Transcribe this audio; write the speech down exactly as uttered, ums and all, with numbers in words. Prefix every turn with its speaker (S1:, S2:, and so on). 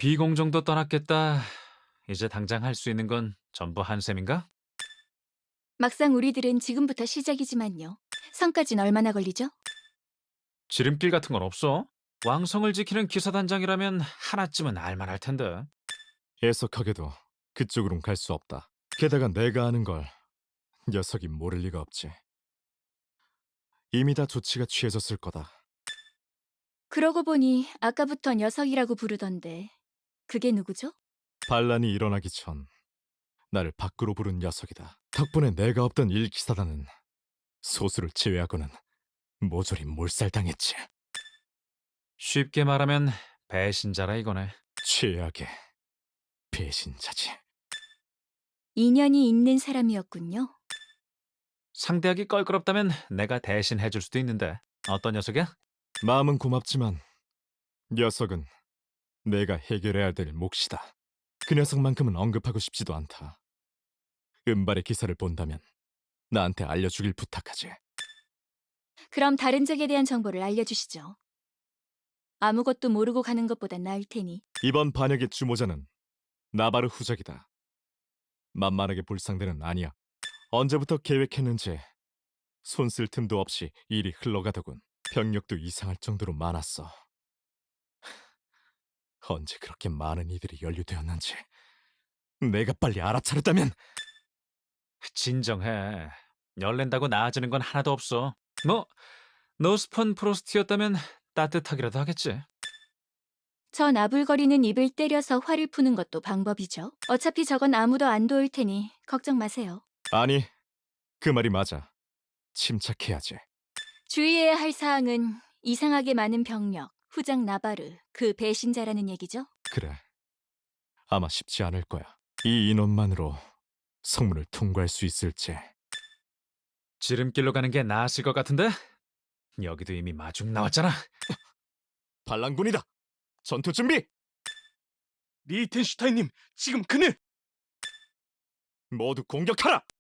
S1: 비공정도 떠났겠다. 이제 당장 할 수 있는 건 전부 한 셈인가?
S2: 막상 우리들은 지금부터 시작이지만요. 성까진 얼마나 걸리죠?
S1: 지름길 같은 건 없어? 왕성을 지키는 기사단장이라면 하나쯤은 알만할 텐데.
S3: 애석하게도 그쪽으론 갈 수 없다. 게다가 내가 아는 걸 녀석이 모를 리가 없지. 이미 다 조치가 취해졌을 거다.
S2: 그러고 보니 아까부터 녀석이라고 부르던데 그게 누구죠?
S3: 반란이 일어나기 전 나를 밖으로 부른 녀석이다. 덕분에 내가 없던 일기사단은 소수를 제외하고는 모조리 몰살당했지.
S1: 쉽게 말하면 배신자라 이거네.
S3: 최악의 배신자지.
S2: 인연이 있는 사람이었군요.
S1: 상대하기 껄끄럽다면 내가 대신 해줄 수도 있는데. 어떤 녀석이야?
S3: 마음은 고맙지만 녀석은 내가 해결해야 될 몫이다. 그 녀석만큼은 언급하고 싶지도 않다. 은발의 기사를 본다면 나한테 알려주길 부탁하지.
S2: 그럼 다른 적에 대한 정보를 알려주시죠. 아무것도 모르고 가는 것보단 나을 테니.
S3: 이번 반역의 주모자는 나바르 후작이다. 만만하게 볼 상대는 아니야. 언제부터 계획했는지 손쓸 틈도 없이 일이 흘러가더군. 병력도 이상할 정도로 많았어. 언제 그렇게 많은 이들이 연루되었는지 내가 빨리 알아차렸다면.
S1: 진정해. 열낸다고 나아지는 건 하나도 없어. 뭐, 노스펀 프로스트였다면 따뜻하기라도 하겠지.
S2: 저 나불거리는 입을 때려서 화를 푸는 것도 방법이죠. 어차피 저건 아무도 안 도울 테니 걱정 마세요.
S3: 아니, 그 말이 맞아. 침착해야지.
S2: 주의해야 할 사항은 이상하게 많은 병력, 후장 나바르, 그 배신자라는 얘기죠.
S3: 그래, 아마 쉽지 않을 거야. 이 인원만으로 성문을 통과할 수 있을지.
S1: 지름길로 가는 게 나았을 것 같은데? 여기도 이미 마중 나왔잖아.
S3: 반란군이다! 전투 준비!
S4: 리텐슈타인님, 지금 그는!
S3: 모두 공격하라!